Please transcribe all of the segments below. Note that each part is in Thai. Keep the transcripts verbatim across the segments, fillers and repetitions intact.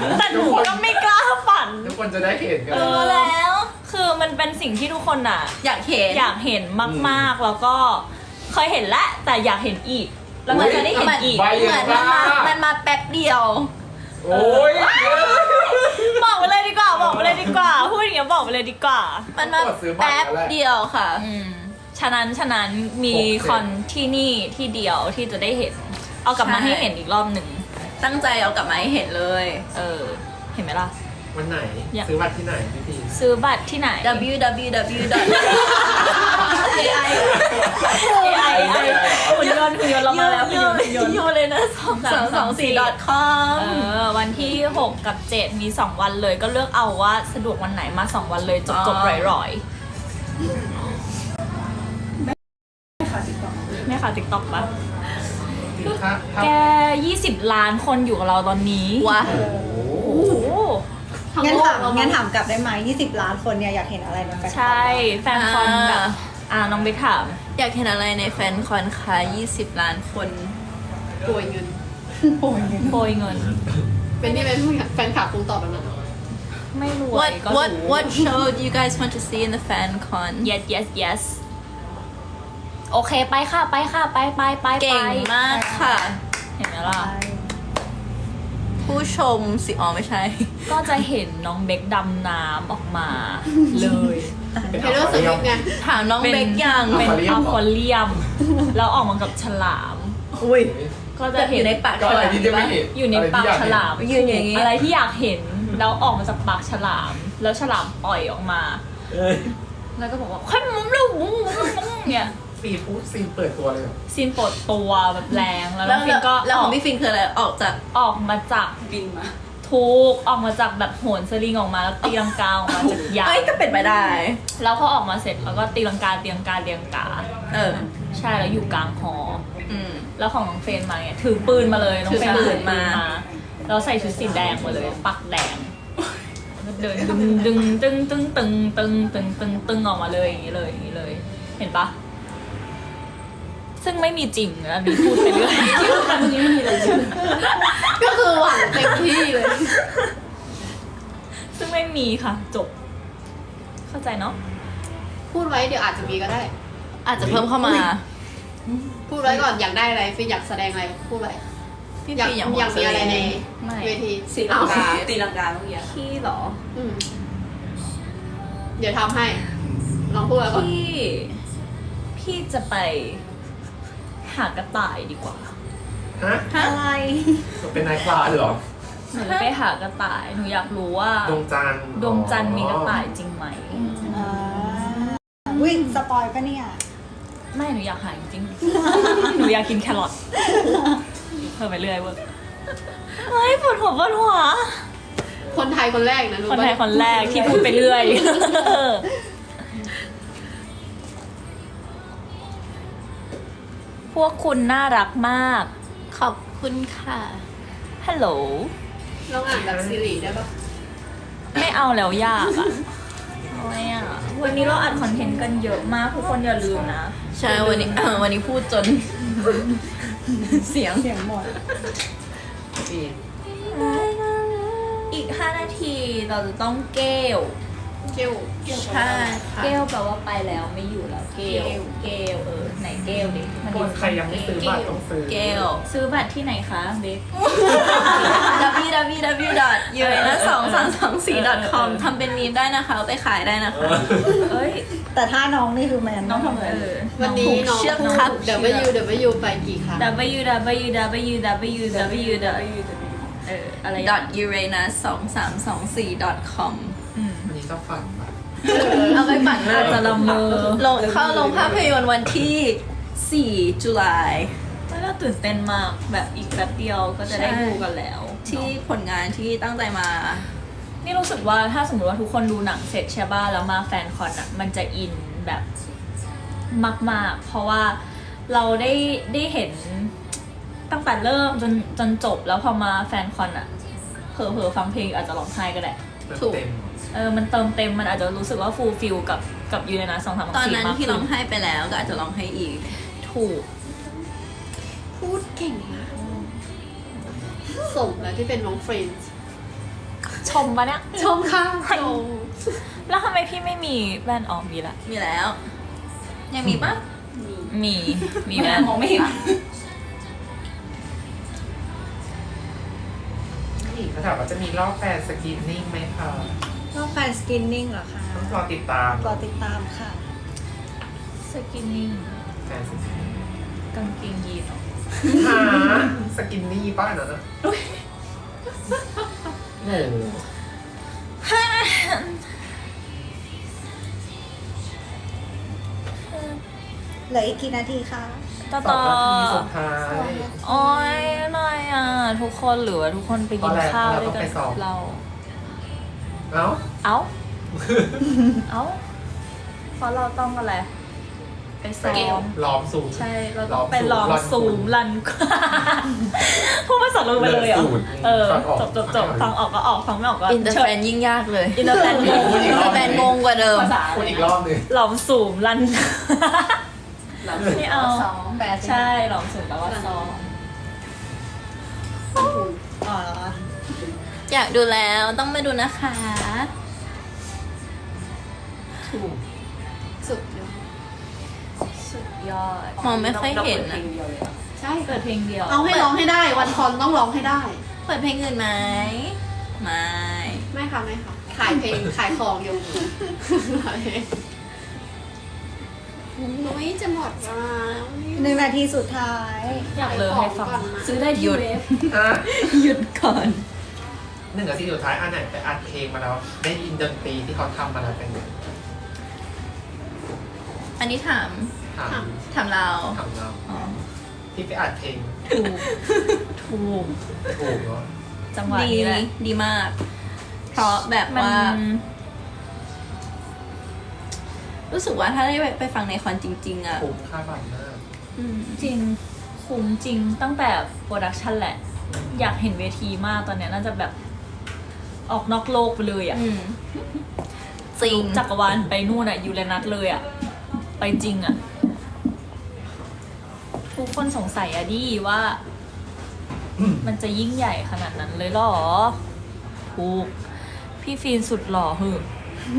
แต่หนูก็ไม่กล้าฝันทุกคนจะได้เห็นกันเออแล้วคือมันเป็นสิ่งที่ทุกคนอ่ะอยากเห็นอยากเห็นมากๆแล้วก็เคยเห็นแล้วแต่อยากเห็นอีก แล้วมันจะได้เห็นอีกใบเหมืยัอนงมันบ้ามามันมาแป๊บเดียวโอ้ยบอกไปเลยดีกว่าบอกไปเลยดีกว่าพูดอย่างเงี้ยบอกไปเลยดีกว่ามันมาแป๊บเดียวค่ะอืมฉะนั้นฉะนั้นมีคอนที่นี่ที่เดียวที่จะได้เห็น เอากลับมาใช่ให้เห็นอีกรอบหนึ่งตั้งใจเอากลับมาให้เห็นเลยเออเห็นไหมล่ะวันไหนอยากซื้อบัตรที่ไหนพี่พีซื้อบัตรที่ไหน w w w ดอท เอ ไอเอไอหุ่นยนต์หุ่นยนต์เรามาแล้วหุ่นยนต์หุ่นยนต์ยูเลยนะสองสามสองสี่ .com เออวันที่หกกับเจ็ดมีสองวันเลยก็เลือกเอาว่าสะดวกวันไหนมาสองวันเลยจบจบๆร่อยๆไม่ค่ะติ๊กต็อกปะถ้าถ้าแกยี่สิบล้านคนอยู่กับเราตอนนี้ว้าโอ้โหโอ้โหงั้นถามงั้นถามกลับได้ไหมยี่สิบล้านคนเนี่ยอยากเห็นอะไรในแฟนคลับใช่แฟนคอนแบบ อ่าน้องเบคถามอยากเห็นอะไรในแฟนคอนคะยี่สิบล้านคนโกยเงินโอ้ยเงินโปรยเงินเป็นที่เป็นแฟนคลับคงตอบแบบนั้นไม่รวย What ก็ what รู้ what show do you guys want to see in the fan con yes yes yes โอเคไปค่ะไปค่ะไปไปไปไปเก่งมากค่ะเห็นไหมล่ะผู้ชมสิอ๋อไม่ใช่ก็จะเห็นน้องเบคดำน้ำออกมาเลยเป็นเทเลอร์สวิฟต์ไงถามน้องเบกยังเป็นอัลคอเลียม แล้วออกมากับฉลามอุ้ยก็จะแบบอเห็นยู่ในปากก็อะไรที่จะไม่เห็นอยู่ในปากฉลามยืนอย่างนี้อะไรที่อยากเห็นแล้วออกมาจากปากฉลาม แล้วฉลามปล่อยออกมา แล้วก็บอกว่าค่อยมุ้งลูกมุ้งมุ้งมุ้งเนี่ยซีนพูดซีนเปิดตัวเลยเหรอซีนปลดตัวแบบแรงแล้วน้แล้อวงฟินก็แล้วอขออก งพี่ฟินคืออะไรออกจากออกมาจากบินมาทุกออกมาจากแบบโหนสลิงออกมาแล้วตีลังกาออกมาจากยาเอ้ยก็เป็นไปได้แล้วพอออกมาเสร็จแล้วก็ตีลังกาตีลังกาตีลังกาเออใช่แล้วอยู่กลางหออืมแล้วของน้องเฟรนมาเนี่ยถือปืนมาเลยน้องเฟรนถือปืถืนอปืนมามาแล้วใส่ชุดสีแดงมาเลยปักแดงแล้วเดินดึงดึงตึงตึงตึงตึงตึงตึงตึงออกมาเลยอย่างนี้เลยอย่างนี้เลย เห็นปะซึ่งไม่มีจริงอันนี้พูดไปเรื่อยตรงนี้ไม่มีอะไรใช่ไหมก็คือหวังเต็มที่เลยซึ่งไม่มีค่ะจบ เข้าใจเนาะพูดไว้เดี๋ยวอาจจะมีก็ได้อาจจะเพิ่มเข้ามาพูดไว้ก่อนอยากได้อะไรฟินอยากแสดงอะไรพูดไว้พี่อยากฟินอย่างอยากมีอะไรในไม่เวทีตีลังกาอ้วตีลังกาเมื่อกี้พี่เหรออืมเดี๋ยวทำให้ ลองพูดไว้ก่อนพี่ พี่จะไปหากระต่ายดีกว่าฮะอะไรเป็นนายพลาเหรอหนูจะไปหากระต่าย หนูอยากรู้ว่าดวงจันทร์ดวงจันทร์มีกระต่ายจริงไหมอ่าวิ่งสปอยปะเนี่ยไม่หนูอยากหาจริงๆ หนูอยากกินแครอทเพิ่มไปเรื่อยเว้ยเฮ้ยปวดหัวปวดหัวคนไทยคนแรกนะรู้คนปะไทยคนแรกที่พูดไปเรื่อย พวกคุณน่ารักมากขอบคุณค่ะฮัลโหลลองอ่านแบบซีรีส์ได้ปะไม่เอาแล้วยากอ่ะโอ้ยอ่ะ วันนี้เราอัดคอนเทนต์กันเยอะมาก ทุกคนอย่าลืมนะใช่วันนี้ วันนี้พูดจน เสียงเสียงหมดอีกห้านาทีเราจะต้องเกลเกี่ยวใช่ค่ะเกลแปลว่าไปแล้วไม่อยู่แล้ว เกลเกลเออ ไหนเกลดิมันคนใครยังไม่ซื้อบัตรต้องซื้อเกลซื้อบัตรที่ไหนคะเบคดับเบิลยู ดับเบิลยู ดับเบิลยู ดอท ยู เอ เอ็น สองสามสองสี่ ดอท คอม ทำเป็นมีมได้นะคะเอาไปขายได้นะคะเอ้ยแต่ถ้าน้องนี่คือแมนน้องทำอะไรเออวันนี้น้องเชือกพูดครับเดี๋ยวไปยูเดี๋ยวไปยูไปกี่ครั้ง w w w w w w เอออะไรดอท ยูเรนัส สองสามสองสี่ ดอท คอมอืมวันนี้จะฝันปะเอาไปปั่นเลอาจยจะละเมอลงเข้าลงภาพยนตร์วันที่สี่ตุลาไม่น่าตื่นเต้นมากแบบอีกแป๊บเดียวก็จะได้ใช่ดูกันแล้วที่ผลงานที่ตั้งใจมานี่รู้สึกว่าถ้าสมมติว่าทุกคนดูหนังเสร็จใช่ป่ะแล้วมาแฟนคอนอ่ะมันจะอินแบบมากๆ เพราะว่าเราได้ได้เห็นตั้งแต่เริ่มจนจนจบแล้วพอมาแฟนคอนอ่ะเผลอๆฟังเพลงอาจจะร้องไห้ก็ได้ถูกเต็มเออมันเติมเต็มมันอาจจะรู้สึกว่าฟูลฟิลกับกับยูเรนัสสองสามตอนสี่นั้นมากที่ขึ้ร้อน งไห้ไปแล้วก็อาจจะร้องไห้อีกถูกพูดเก่งมากสมแล้วที่เป็นน้องเฟรนด์ชมปะเนี่ยชมค่ะชมแล้วทำไมพี่ไม่มีแว่นออกมีละมีแล้ว ยังมีปะมี มีแว่นมองไม่เห็นนี่เขาถามว่าจะมีรอบแฟนสกรีนนิ่งไหมคะรอบแฟนสกินนิ่งเหรอคะต้องรอติดตามรอติดตามค่ะสกินนิ่งแฟนสกรีนกางเกงยีนเหรอหาสกินนี่ป้านะโอ้โหเหลืออีกกี่นาทีคะต่อสอต่งอนาทีสุดท้ายโอ้ยหน่อยอ่ะ ทุกคนหรือว่าทุกคนไปกินข้าวด้วยกันกับเราเอ้าเอ้า เอ้า เพราะเราต้องอะไร ไปซ้อมล้อมสูงใช่ เราต้องไปลองซูมรัน พูดภาษาลงไปเลยเหรอ เออ จบจบจบฟังออกก็ออก ฟังไม่ออกก็อินเตอร์เชิแฟญนยิ่งยากเลยอินเตอร์แฟนงงอินเตอร์แฟนงงกว่าเดิมภาษาพูดอีกรอบหนึงหลอมสูมรัน ไม่เอาแปดใช่หลอมสูมแปลว่าซ้อมอ๋อเหรออยากดูแล้วต้องมาดูนะคะถูกสุดยอดสุดยอดมองไม่ค่อยเห็นอะใช่เปิดเพลงเดียวเอาให้ร้องให้ได้ วันคอนต้องร้องให้ได้เปิดเพลงอื่นไหมไม่ไม่ค่ะไม่ค่ะขายเพลงขายของอยู่ขายเพลงนุ้ยจะหมดเวลาแล้วเนี่ยหนึ่งนาทีสุดท้ายอยากเลยให้ฟังขายของก่อนนะซื้อได้ที่เว็บอ่ะหยุดก่อนหนึ่งนาทีสุดท้ายอันไหนไปอัดเพลงมาแล้ว ได้ยินดนตรีที่เขาทำมาแล้วเป็นไงอันนี้ถามถามถามเราถามเราอ๋อที่ไปอัดเพลงถูก ถูกถูกเนาะจังหวะดีนี้แหละดีมาก เพราะแบบมันว่า รู้สึกว่าถ้าได้ไปฟังในคอนจริง ๆ อ่ะคุ้มค่าบัตรมากอืมจริง คุ้มจริงตั้งแต่โปรดักชันแหละ อยากเห็นเวทีมากตอนเนี้ยน่าจะแบบออกนอกโลกไปเลยอ่ะอืมจริงจักรวาลไปนู่นอ่ะ ยูเรนัสเลยอ่ะ ไปจริงอ่ะ ทุกคนสงสัยอะดิว่า มันจะยิ่งใหญ่ขนาดนั้นเลยเหรอ ถูก พี่ฟีนสุดหล่อเหอะ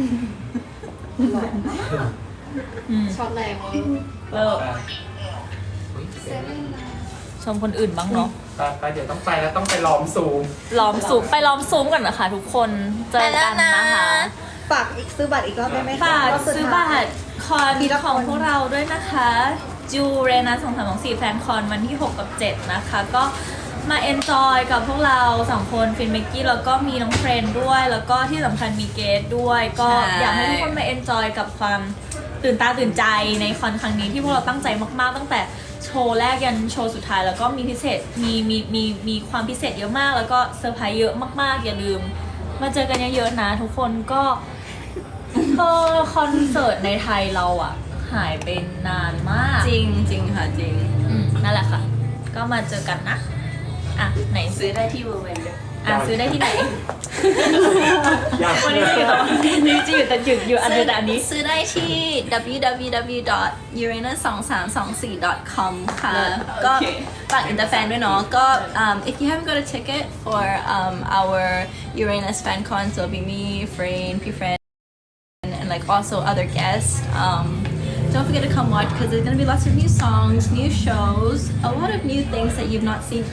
อืมช็อตแรงเลยเลิกอุ๊ยเซเว่นนะชมคนอื่นบ้างเนาะไปไปเดี๋ยวต้องไปแล้วต้องไปล้อมซูมล้อมซูมไปล้อมซูมกันนะคะทุกคน เจอกันนะคะฝากอีกซื้อบัตรอีกรอบได้ไหมคะฝากรอบสุดซื้อท้าบัยตรคอนทีละคนของพวกเราด้วยนะคะจูเรนัสสองสามสองสี่แฟนคอนวันที่หกกับเจ็ดนะคะ ก็มาเอนจอยกับพวกเราสองคนฟินเมกกี้แล้วก็มีน้องเฟรนด้วย แล้วก็ที่สำคัญมีเกสด้วย ก็ใช่อยากให้ทุกคนมาเอนจอยกับความตื่นตาตื่นใจในคอนครั้งนี้ที่พวกเราตั้งใจมากๆ ตั้งแต่โชว์แรกยันโชว์สุดท้ายแล้วก็มีพิเศษมีมีมีมีความพิเศษเยอะมาก แล้วก็เซอร์ไพรส์เยอะมากๆ อย่าลืม มาเจอกันเยอะๆนะ ทุกคนก็ ก็คอนเสิร์ตในไทยเราอ่ะ หายไปนานมากจริงจริงค่ะจริงอืมนั่นแหละค่ะ ก็มาเจอกันนะ อ่ะ ไหนซื้อซื้อได้ที่เวอร์เวนด้วยอ่ะซื้อได้ที่ไหนอยากวันนี้จะอยู่แต่นี่จะอยู่แต่หยุดอยู่อันเดียวแต่อันนี้ซื้อได้ที่ ดับเบิลยู ดับเบิลยู ดับเบิลยู ดอท ยูเรนัส สองสามสองสี่ ดอท คอม ค่ะ ก็ฝากอินเตอร์แฟนด้วยเนาะ ก็ um, if you haven't got a ticket for um, our Uranus fan con so it'll be me, Frayne, P-Friend and like also other guests um, don't forget to come watch because there's gonna be lots of new songs, new shows, a lot of new things that you've not seen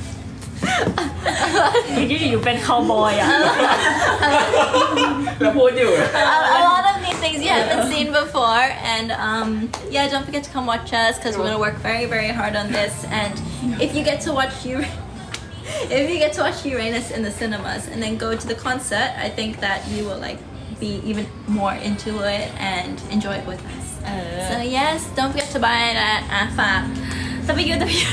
อยู่ๆอยู่เป็นคาวบอยอ่ะแล้วพูดอยู่ a, a lot of new things you haven't seen before and um, yeah don't forget to come watch us because we're gonna work very very hard on this and if you get to watch you if you get to watch Uranus in the cinemas and then go to the concert I think that you will like be even more into it and enjoy it with us เออ so yes don't forget to buy that อ่ะฝากจะไปยูจะไปยู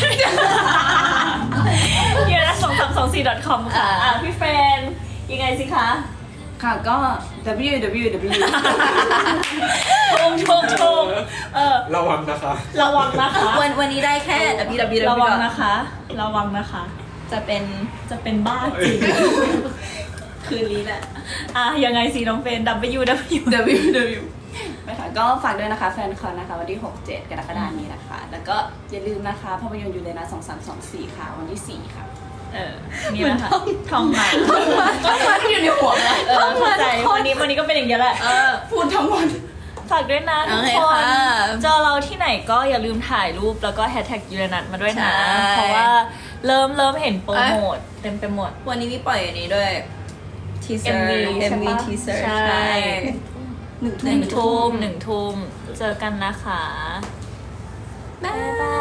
ยูนะสองสามสองสี่ ดอท คอม ค่ะ อ่ะ พี่เฟรนยังไงสิคะค่ะก็ ดับเบิลยู ดับเบิลยู ดับเบิลยูชงชงชงเออระวังนะคะระวังนะคะวันวันนี้ได้แค่ ดับเบิลยู ดับเบิลยูระวังนะคะ ระวังนะคะจะเป็นจะเป็นบ้าจริงคืนนี้แหละอ่ะ ยังไงสิน้องเฟรน ดับเบิลยู ดับเบิลยูดับเบิลยู ดับเบิลยู นะคะก็ฝากด้วยนะคะแฟนคอนนะคะวันที่ หกเจ็ด กรกฎาคมนี้นะคะ แล้วก็อย่าลืมนะคะภาพยนตร์ยูเรนัสสองสามสองสี่ค่ะวันที่สี่ค่ะเออ นี่นะคะทองหมาต้องมาที่อยู่ในนี้ก็เป็นอย่างเงี้ยแหละเออพูดทั้งวันฝากด้วยนะทุกโอเคคนค่ะเจอเราที่ไหนก็อย่าลืมถ่ายรูปแล้วก็แฮชแท็กยูเรนัทมาด้วยนะใช่เพราะว่าเริ่มเริ่มเห็นโปรโมทเต็มไปหมดวันนี้มีปล่อยอันนี้ด้วย teaser เอ็ม วีเอ็ม วีใช่ปะ teaser ใช่ใช่หนึ่งหนึ่งทุ่มหนึ่งทุ่มเจอกันนะคะบ๊ายบาย